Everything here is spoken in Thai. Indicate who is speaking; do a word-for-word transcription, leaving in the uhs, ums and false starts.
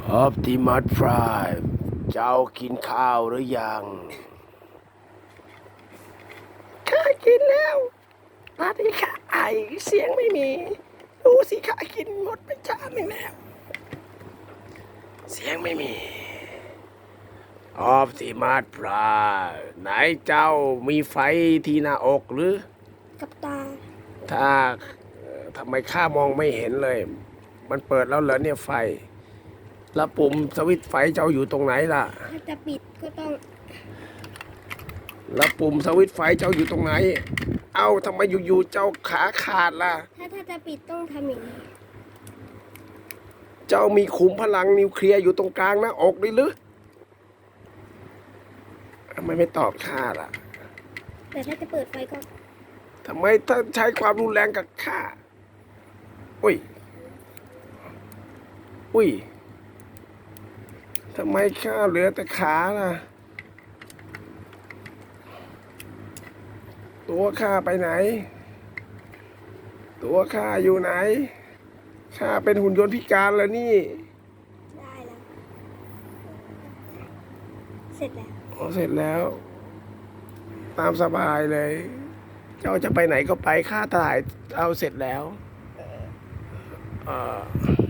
Speaker 1: ออ t ติมัส Prime เจ้ากินข้าวหรือยังข้ากินแล้วตอนนี้ข้าไอเสียงไม่มีดูสิข้ากินหมดไปจานหนึ่งแล้วเสียงไม่มีออ t ติมัส Prime ไหนเจ้ามีไฟที่หน้าอกหรือ
Speaker 2: กับตา
Speaker 1: ถ้าทำไมข้ามองไม่เห็นเลยมันเปิดแล้วเหรอเนี่ยไฟแล้วปุ่มสวิตช์ไฟเจ้าอยู่ตรงไหนล่ะ
Speaker 2: ถ้าจะปิดก็ต้อง
Speaker 1: แล้วปุ่มสวิตช์ไฟเจ้าอยู่ตรงไหนเอ้าทำไมอยู่ๆเจ้าขาขาดล่ะ
Speaker 2: ถ้าถ้าจะปิดต้องทำอย่างนี้
Speaker 1: เจ้ามีขุมพลังนิวเคลียร์อยู่ตรงกลางหน้าอกนี่หรือทำไมไม่ตอบข้าล่ะ
Speaker 2: แต่ถ้าจะเปิดไฟก็
Speaker 1: ทำไมถ้าใช้ความรุนแรงกับข้าอุ้ยอุ้ยทำไมข้าเหลือแต่ขาล่ะตัวข้าไปไหนตัวข้าอยู่ไหนข้าเป็นหุ่นยนต์พิการแล้วนี่
Speaker 2: ได้แล้วเสร็จแล้ว
Speaker 1: อ๋อเสร็จแล้วตามสบายเลย เจ้าจะไปไหนก็ไปข้าถ่ายเอาเสร็จแล้วเออ